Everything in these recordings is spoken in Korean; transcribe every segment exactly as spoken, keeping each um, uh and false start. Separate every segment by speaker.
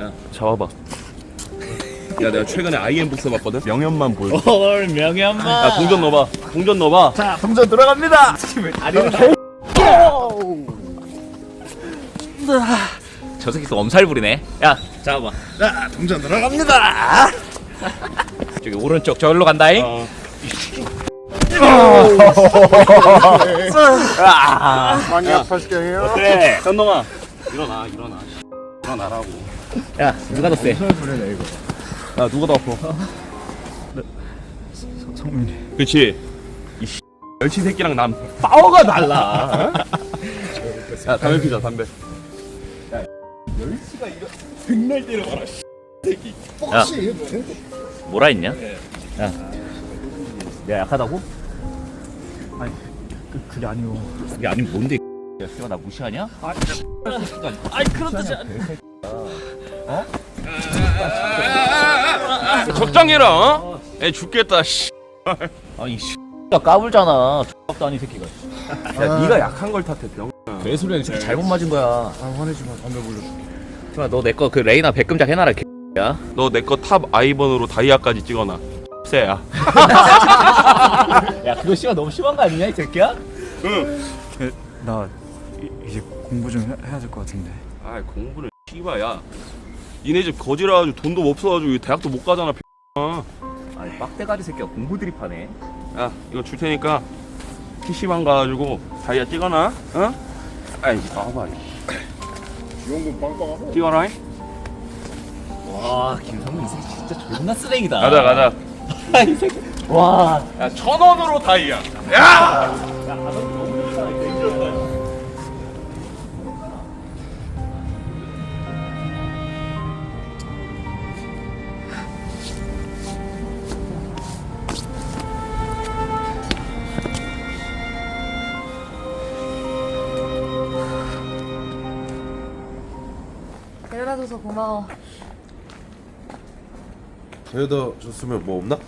Speaker 1: 야, 잡아봐. 야, 내가 최근에 아이엠북 써봤거든? 명현만 보여.
Speaker 2: 헐 명현만.
Speaker 1: 야, 동전 넣어봐. 동전 넣어봐.
Speaker 2: 자 동전 들어갑니다. 아니는 저 새끼 또 엄살 부리네. 야 잡아봐. 자 동전 들어갑니다. 저기 오른쪽 저기로 간다잉.
Speaker 1: 어.
Speaker 3: 많이 아파시게 해요.
Speaker 1: 어때? 현동아. 일어나, 일어나. 일어나라고.
Speaker 2: 야 누가 더 세?
Speaker 3: 부르네 이거.
Speaker 1: 야, 누가 더 아파?
Speaker 3: 성민이.
Speaker 1: 그치? 이 멸치 새끼랑 난 파워가 달라. 야, 담배 피자, 담배. 야, 멸치가 이거 백날 때려봐라.
Speaker 3: 뻑시.
Speaker 2: 뭐라 했냐? 야 내가 약하다고?
Speaker 3: 아니 그 그게 아니고.
Speaker 2: 그게 아니면 뭔데? 야 씨발 나 무시하냐? 아이 그런 뜻이 아니야.
Speaker 1: 적당해라, 어? 애 죽겠다, 씨.
Speaker 2: 아니 씨가 까불잖아. X도 아닌 새끼가.
Speaker 1: 야, 네가 약한 걸 탓해, 병.
Speaker 2: 개소리야. 이 새끼 잘못 맞은 거야.
Speaker 3: 아 화내지 마. 담배 불러.
Speaker 2: 씨발 너 내 거 그 레이나 백금작 해놔라 개야.
Speaker 1: 너 내 거 탑 아이번으로 다이아까지 찍어놔. 쎄야.
Speaker 2: 야 그거 씨발 너무 심한 거 아니냐 이 새끼야?
Speaker 1: 응.
Speaker 3: 나 이, 이제 공부 좀 해, 해야 될 것 같은데.
Speaker 1: 아, 공부는 씨발야. 니네 집 거지라 가지고 돈도 없어가지고 대학도 못 가잖아. 병아.
Speaker 2: 아니 빡대가리 새끼가 공부 드립하네.
Speaker 1: 야, 이거 줄 테니까 피시방 가가지고 다이아 찍어놔. 어? 아이, 봐봐.
Speaker 3: 지원금 빵빵하고.
Speaker 1: 찍어라.
Speaker 2: 와 김성민 이 새끼 진짜 존나 쓰레기다.
Speaker 1: 가자, 가자.
Speaker 2: 이 새끼. 와.
Speaker 1: 야, 천 원으로 다이아. 야!
Speaker 4: 데려다줘서 고마워.
Speaker 5: 데려다 줬으면 뭐 없나?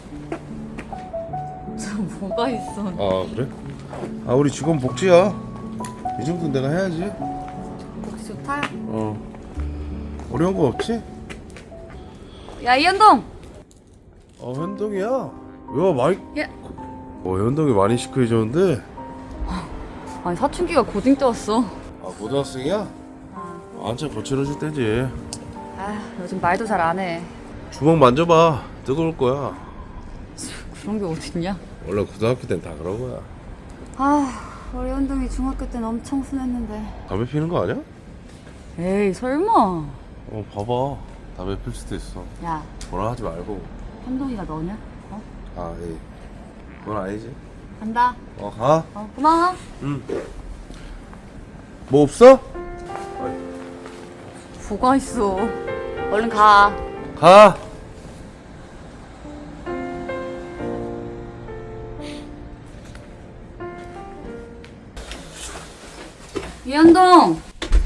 Speaker 4: 저 뭐가 있어?
Speaker 5: 아 그래? 아 우리 직원 복지야. 이 정도는 내가 해야지.
Speaker 4: 복지 좋다.
Speaker 5: 어 어려운 거 없지?
Speaker 4: 야 이현동.
Speaker 5: 어 현동이야. 왜 많이?
Speaker 4: 예.
Speaker 5: 어 현동이 많이 시크해졌는데.
Speaker 4: 아니 사춘기가 고딩 때 왔어.
Speaker 5: 아 고등학생이야? 한참 거칠어질 때지.
Speaker 4: 아 요즘 말도 잘 안 해.
Speaker 5: 주먹 만져봐. 뜨거울 거야.
Speaker 4: 그런 게 어딨냐?
Speaker 5: 원래 고등학교 땐 다 그런 거야.
Speaker 4: 아 우리 현동이 중학교 땐 엄청 순했는데.
Speaker 5: 담배 피는 거 아니야?
Speaker 4: 에이 설마.
Speaker 5: 어 봐봐. 담배 필 수도 있어.
Speaker 4: 야
Speaker 5: 뭐라 하지 말고.
Speaker 4: 현동이가 너냐? 어?
Speaker 5: 아 에이. 그건 아니지.
Speaker 4: 간다.
Speaker 5: 어 가.
Speaker 4: 어 고마워.
Speaker 5: 응. 뭐 없어?
Speaker 4: 뭐가 있어? 얼른 가.
Speaker 5: 가.
Speaker 4: 이현동.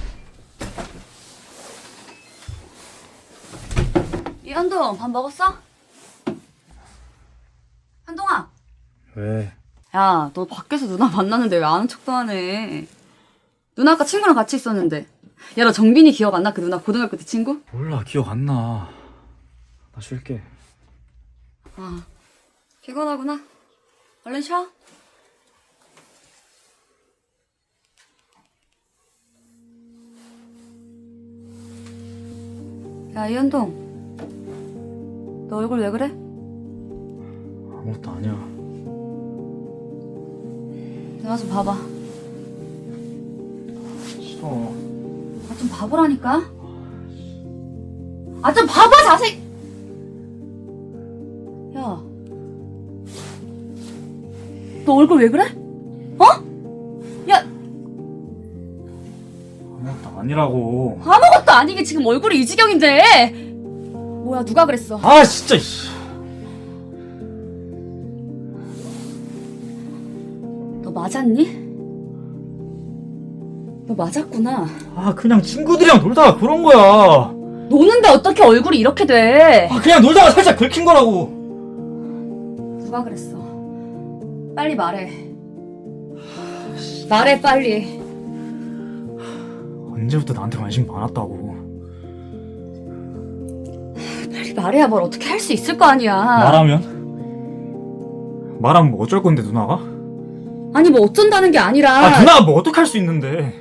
Speaker 4: 이현동 밥 먹었어? 현동아.
Speaker 3: 왜?
Speaker 4: 야, 너 밖에서 누나 만났는데 왜 아는 척도 하네? 누나 아까 친구랑 같이 있었는데. 야, 너 정빈이 기억 안 나? 그 누나 고등학교 때 친구?
Speaker 3: 몰라 기억 안 나. 나 쉴게.
Speaker 4: 아, 피곤하구나. 얼른 쉬어. 야, 이현동. 너 얼굴 왜 그래?
Speaker 3: 아무것도 아니야.
Speaker 4: 내가 좀 봐봐.
Speaker 3: 싫어.
Speaker 4: 아, 좀 봐보라니까. 아, 좀 봐봐, 자세히. 야. 너 얼굴 왜 그래? 어? 야,
Speaker 3: 아무것도 아니라고.
Speaker 4: 아무것도 아니게 지금 얼굴이 이 지경인데. 뭐야, 누가 그랬어?
Speaker 3: 아 진짜. 씨.
Speaker 4: 너 맞았니? 너 맞았구나.
Speaker 3: 아 그냥 친구들이랑 놀다가 그런 거야.
Speaker 4: 노는데 어떻게 얼굴이 이렇게 돼?
Speaker 3: 아 그냥 놀다가 살짝 긁힌 거라고.
Speaker 4: 누가 그랬어? 빨리 말해. 말해, 빨리.
Speaker 3: 언제부터 나한테 관심 많았다고.
Speaker 4: 말해야 뭘 어떻게 할 수 있을 거 아니야.
Speaker 3: 말하면? 말하면 뭐 어쩔 건데 누나가?
Speaker 4: 아니 뭐 어쩐다는 게 아니라.
Speaker 3: 아 누나가 뭐 어떻게 할 수 있는데?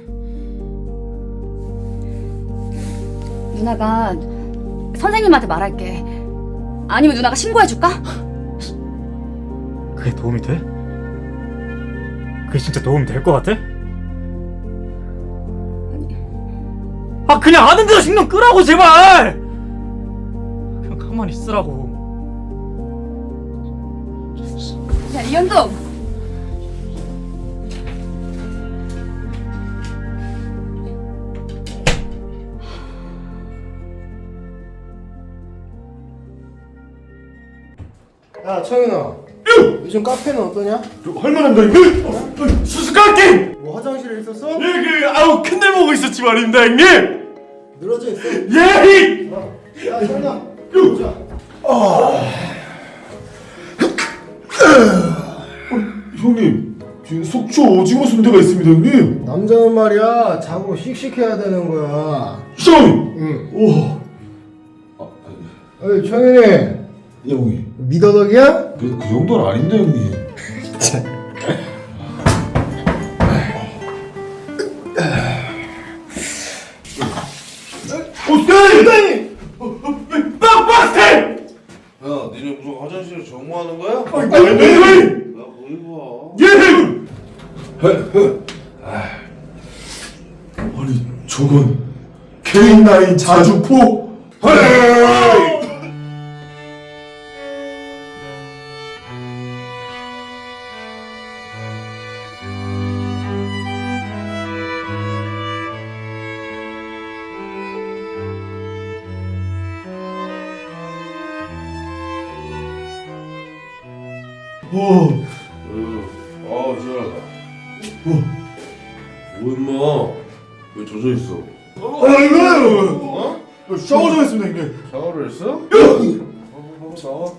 Speaker 4: 누나가 선생님한테 말할게. 아니면 누나가 신고해줄까?
Speaker 3: 그게 도움이 돼? 그게 진짜 도움 될 것 같아? 아 그냥 아는 대로 신경 끄라고 제발! 그냥 가만히 있으라고.
Speaker 4: 야 이현동.
Speaker 6: 야 청윤아 요즘 카페는 어떠냐?
Speaker 1: 할만합니다 형님. 어, 수수깡게.
Speaker 6: 뭐 화장실에 있었어?
Speaker 1: 예그 아우 큰일 보고 있었지 말입니다 형님.
Speaker 6: 늘어져 있어?
Speaker 1: 예.
Speaker 6: 야 청윤아 자
Speaker 1: 형님 지금 속초 오징어 순대가 있습니다 형님.
Speaker 6: 남자는 말이야 자고 씩씩해야 되는 거야
Speaker 1: 형님.
Speaker 6: 응
Speaker 1: 오.
Speaker 6: 어이 청윤이
Speaker 1: 예 형님.
Speaker 6: 미더덕이야?
Speaker 1: 그, 그 정도는 아닌데 형님. 오스테이! 빡빡스테이!
Speaker 5: 야 니네 무슨 화장실에 정모하는 거야?
Speaker 1: 아니
Speaker 5: 야 거기 봐.
Speaker 1: 예! 아니 저건 케이 나인 자주포? 헤이! 오,
Speaker 5: 아 시원하다. 뭐 임마 왜 젖어 있어?
Speaker 1: 아이고,
Speaker 5: 어?
Speaker 1: 샤워 좀 했습니다 형님.
Speaker 5: 샤워를 했어? 어, 어, 나와.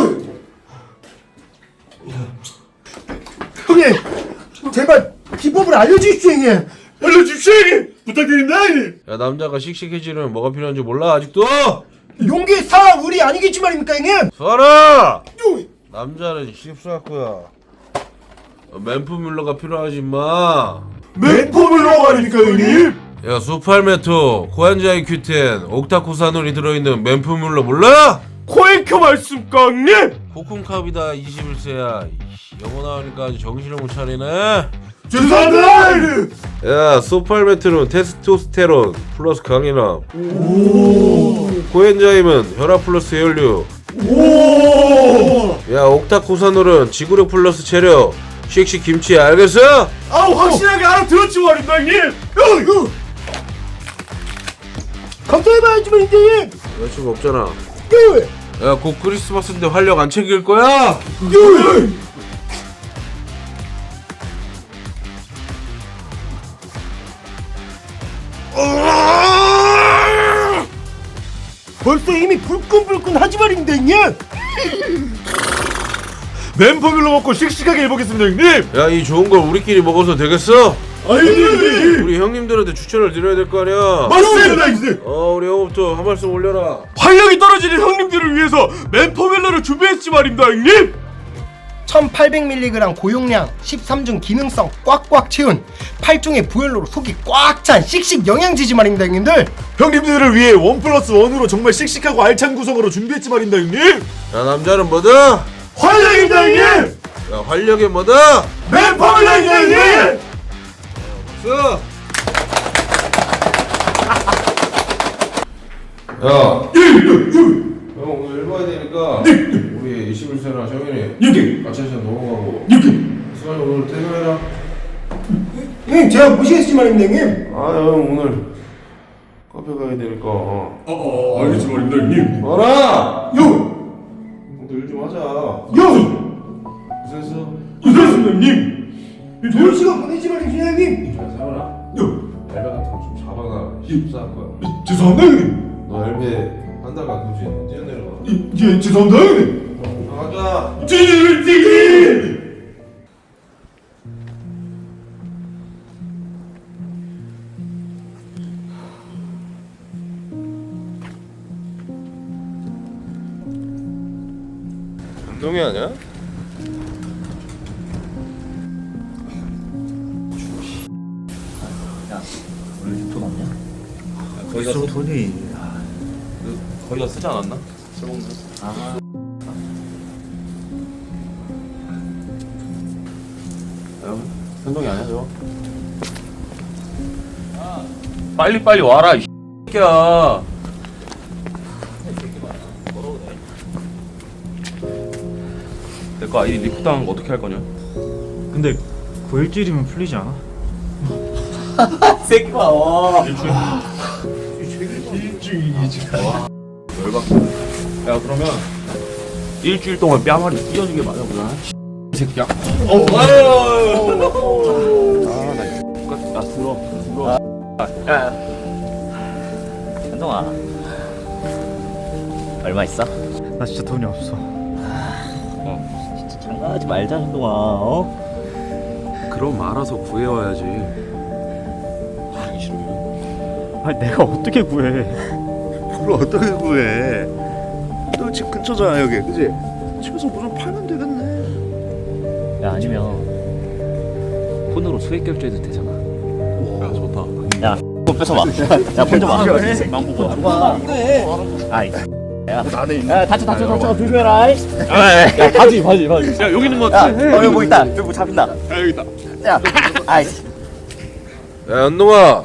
Speaker 6: 형님 제발 비법을 알려주십시오 형님
Speaker 1: 알려주십시오 형님. 부탁드립니다 형님.
Speaker 5: 야 남자가 씩씩해지려면 뭐가 필요한지 몰라 아직도?
Speaker 6: 용기 사 의리 아니겠지 말입니까 형님?
Speaker 5: 수아라! 남자는 십사구야. 맨프뮬러가 필요하지 임마.
Speaker 1: 맨폼을 넣어가니까 형님.
Speaker 5: 야 수팔메토, 코엔자이 큐텐, 옥타코사놀이 들어있는 맨프뮬러 몰라?
Speaker 1: 코엔큐 말씀까 형님.
Speaker 5: 코쿤캅이다 이십일 세야. 영어 나오니까 아주 정신을 못 차리네.
Speaker 1: 죄송합니다 형님.
Speaker 5: 야 소팔메트는 테스토스테론 플러스 강인함. 코엔자임은 혈압 플러스 혈류. 야 옥타코사놀은 지구력 플러스 체력. 씩씩 김치 알겠어?
Speaker 1: 아우 확실하게 알아들었지 말입니다 형님.
Speaker 6: 감사해봐야지 말입니다 형님
Speaker 5: 여자친구 없잖아.
Speaker 6: 예.
Speaker 5: 야 곧 크리스마스인데 활력 안 챙길 거야?
Speaker 6: 벌써 이미 불끈불끈 하지 말입니다 형님
Speaker 1: 맨폼을 먹고 씩씩하게 해보겠습니다 형님.
Speaker 5: 야 이 좋은 걸 우리끼리 먹어서 되겠어?
Speaker 1: 아니
Speaker 5: 우리 형님들한테 추천을 드려야 될 거 아니야?
Speaker 1: 맞습니다 형님.
Speaker 5: 어 우리 형부터 한 말씀 올려라.
Speaker 1: 활력이 떨어지는 형님들을 위해서 맨포멜러를 준비했지 말입니다 형님.
Speaker 6: 천팔백 밀리그램 고용량 십삼 중 기능성 꽉꽉 채운 팔 종의 부엘로로 속이 꽉 찬 씩씩 영양지지 말입니다 형님들
Speaker 1: 형님들을 위해 원 플러스 원으로 정말 씩씩하고 알찬 구성으로 준비했지 말입니다 형님.
Speaker 5: 야 남자는 뭐다?
Speaker 1: 활력입니다 형님.
Speaker 5: 야 활력이 뭐다?
Speaker 1: 맨포멜러입니다 형님.
Speaker 5: 써. 야, 형 오늘 일 봐야 되니까 우리 이십일 세나 정현이
Speaker 1: 여기
Speaker 5: 같이 시간 넘어가고
Speaker 1: 여기.
Speaker 5: 수환이 오늘 퇴근해라.
Speaker 6: 형님 제가 모시겠지 말입니다 형님
Speaker 5: 아 형 오늘 카페 가야 되니까. 어.
Speaker 1: 어, 알겠지 말입니다 형님.
Speaker 5: 알아.
Speaker 1: 요,
Speaker 5: 오늘 일 좀 하자.
Speaker 1: 요,
Speaker 5: 고생했어.
Speaker 1: 고생했습니다 형님.
Speaker 6: 좋은 시간 보내지 말입니다 형님
Speaker 5: 잘 살아라.
Speaker 1: 요,
Speaker 5: 엘베 같은 거 좀 잡아놔. 십사할 거야.
Speaker 1: 죄송합니다 형님.
Speaker 5: 너 엘베 한 달간 그지? 뛰어내려가.
Speaker 1: 예, 죄송합니다 형님.
Speaker 5: 가자.
Speaker 1: 찌찌찌찌.
Speaker 5: 운동이 아니야?
Speaker 2: 돈 없냐?
Speaker 1: 거기가 쓰,
Speaker 3: 돈이
Speaker 1: 그, 거기가 쓰지 않았나? 술 먹는.
Speaker 2: 아
Speaker 1: 야, 현동이 아니야 저거? 빨리 빨리 와라 이 새끼야. 내 거 아이디 리프 당한 거 어떻게 할 거냐?
Speaker 3: 근데 구일절이면 풀리지 않아?
Speaker 2: 새끼 봐. 와.
Speaker 1: 열받고. 야 그러면 일주일 동안 뺨알이 찢어지게 맞아보자. 이 새끼야. 어, 아나 똑같. 야 들어 들어. 야.
Speaker 2: 현동아 얼마 있어?
Speaker 3: 나 진짜 돈이 없어.
Speaker 2: 진짜 장난하지 말자 현동아. 어?
Speaker 1: 그럼 알아서 구해와야지. 하기 싫으면.
Speaker 3: 아니 내가 어떻게 구해?
Speaker 7: 그걸 어떻게 구해? 너 집 근처잖아 여기, 그지? 집에서 뭐 좀 팔면 되겠네.
Speaker 2: 야 아니면 폰으로 수익 결제해도 되잖아.
Speaker 1: 야 좋다.
Speaker 2: 야, 폰 뺏어봐. 야, 폰 좀 와. 망보고. 와. 아이. 야,
Speaker 7: 나는
Speaker 2: 야, 다쳐, 다쳐, 다쳐. 조심해라. 야,
Speaker 1: 야 바지 바지 바지. 야 여기 있는 거
Speaker 2: 야,
Speaker 1: 같아.
Speaker 2: 어, 여기 뭐 있다. 여기 뭐 잡힌다.
Speaker 1: 야 여기 있다.
Speaker 2: 야, 아이.
Speaker 5: 야 연동아,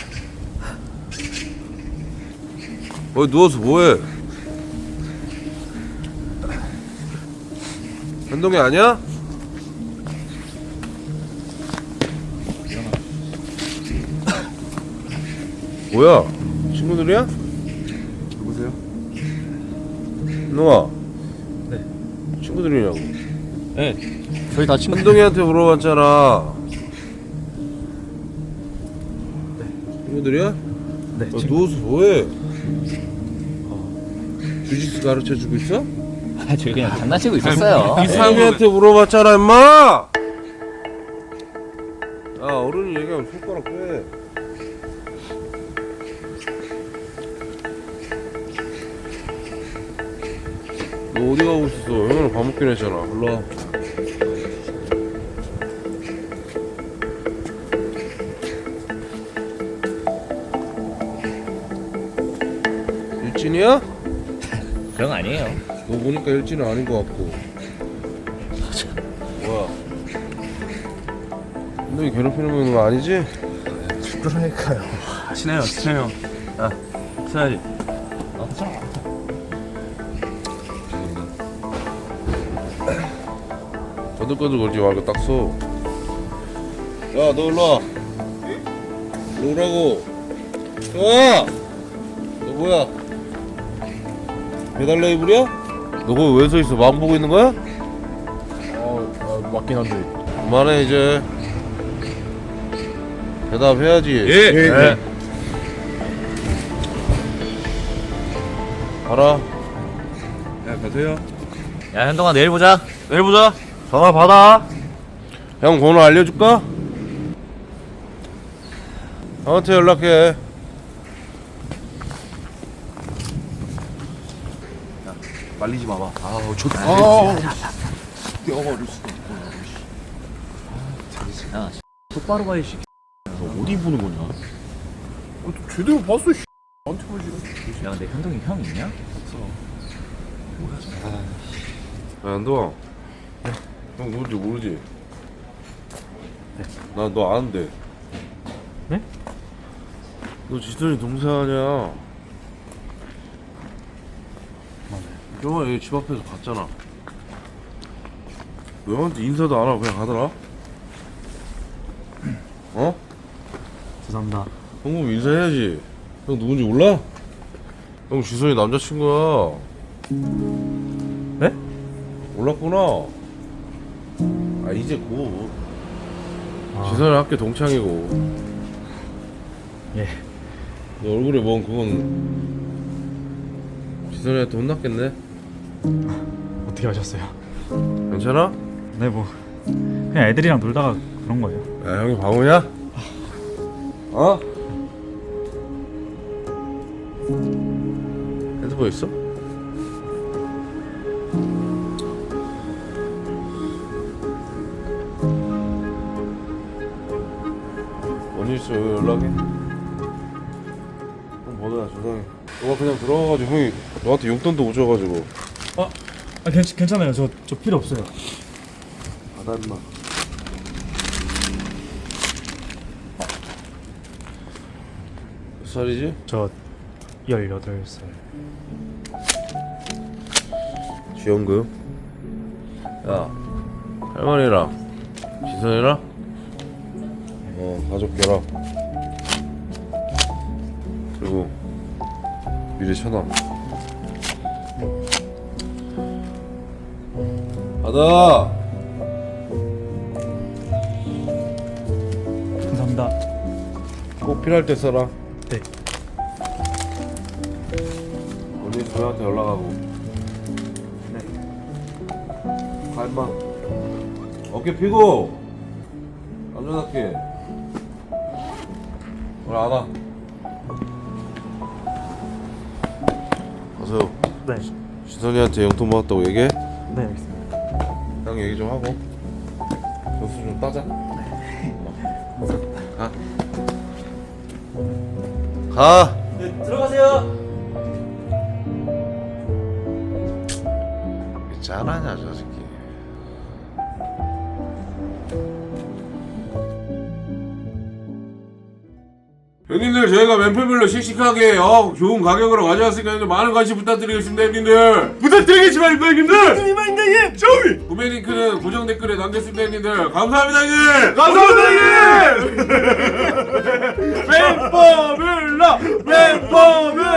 Speaker 5: 거기 누워서 뭐해? 현동이 아니야? 뭐야? 친구들이야?
Speaker 1: 누구세요?
Speaker 5: 현동아. 네. 친구들이냐고.
Speaker 1: 네.
Speaker 2: 저희 다 친구.
Speaker 5: 현동이한테 물어봤잖아. 친구들이야?
Speaker 3: 네.
Speaker 5: 야, 누워서 뭐해? 주짓수 가르쳐 주고 있어?
Speaker 2: 아, 저희 그냥 장난치고 있었어요.
Speaker 5: 현동이한테 물어봤잖아, 임마! 야, 어른이 얘기하면 손가락 빼. 너 어디 가고 있었어? 형이랑 밥 먹기로 했잖아. 올라와. 일진이야?
Speaker 2: 그런 거 아니에요.
Speaker 5: 너 보니까 일진은 아닌 것 같고. 뭐야? 너희 괴롭히는 거 아니지?
Speaker 7: 그러니까요.
Speaker 1: 친해요 친해요. 야 친해야지.
Speaker 5: 거들거들 걸지 말고 딱 서. 야, 너 일로 와. 일로 오라고. 야! 너 뭐야? 배달 레이블이야? 너 거기 왜 서 있어? 마음 보고 있는 거야?
Speaker 7: 어, 어 맞긴 한데.
Speaker 5: 그만해 이제. 대답해야지.
Speaker 1: 예.
Speaker 7: 예.
Speaker 5: 가라.
Speaker 1: 야 가세요.
Speaker 2: 야, 현동아 내일 보자.
Speaker 1: 내일 보자.
Speaker 3: 전화 받아.
Speaker 5: 형 번호 알려줄까? 형한테 연락해.
Speaker 1: 말리지 마봐.
Speaker 7: 아우 좋다. 아,
Speaker 2: 야,
Speaker 1: 똑바로 봐 이 새끼. 너 어디 보는 거냐?
Speaker 7: 제대로 봤어. 씨.
Speaker 2: 야, 근데 현동이 형 있냐?
Speaker 5: 야, 안동아. 형 누군지 모르지? 나 너 아는데.
Speaker 3: 네?
Speaker 5: 너 지선이 동생 아니야? 형아 여기 집 앞에서 봤잖아. 너 형한테 인사도 안 하고 그냥 가더라? 어?
Speaker 3: 죄송합니다.
Speaker 5: 형 그럼 인사해야지. 형 누군지 몰라? 형 지선이 남자친구야.
Speaker 3: 네?
Speaker 5: 몰랐구나. 아 이제 곧.
Speaker 3: 아.
Speaker 5: 지선이 학교 동창이고.
Speaker 3: 예.
Speaker 5: 너 얼굴에 뭔 그건 지선이한테 혼났겠네?
Speaker 3: 어떻게 하셨어요?
Speaker 5: 괜찮아?
Speaker 3: 네, 뭐 그냥 애들이랑 놀다가 그런 거예요.
Speaker 5: 야 형이 바보냐? 어? 핸드폰 있어? 언니 있어 왜 연락해? 형 번호야 죄송해. 너가 그냥 들어가가지고 형이 너한테 용돈도 못 줘가지고.
Speaker 3: 아, 아 괜찮, 괜찮아요. 저, 저 필요 없어요.
Speaker 5: 받아 임마. 몇 살이지?
Speaker 3: 저 열여덟 살.
Speaker 5: 지원금? 야 할머니랑 지선이랑 어 가족 결합 그리고 미래 천왕 받아.
Speaker 3: 감사합니다.
Speaker 5: 꼭 필요할 때 써라.
Speaker 3: 네.
Speaker 5: 언니 저희한테 연락하고.
Speaker 3: 네.
Speaker 5: 가 임마. 어깨 펴고 남자답게. 오늘 안 와. 가세요.
Speaker 3: 네.
Speaker 5: 지선이한테 용돈 받았다고 얘기해.
Speaker 3: 네, 알겠습니다.
Speaker 5: 형 얘기 좀 하고 점수 좀 따자. 가. 가.
Speaker 3: 네, 들어가세요.
Speaker 5: 왜 짠하냐 저 새끼. 형님들 저희가 멤버별로 씩씩하게 어, 좋은 가격으로 가져왔으니까 형님들 많은 관심 부탁드리겠습니다 형님들.
Speaker 1: 부탁드리겠지만 형님들. 부탁드리겠지만 형님. 저희.
Speaker 5: 구매 링크는 고정 댓글에 남겼습니다 형님들. 감사합니다 형님.
Speaker 1: 감사합니다 형님. 멤버별로 멤버별로.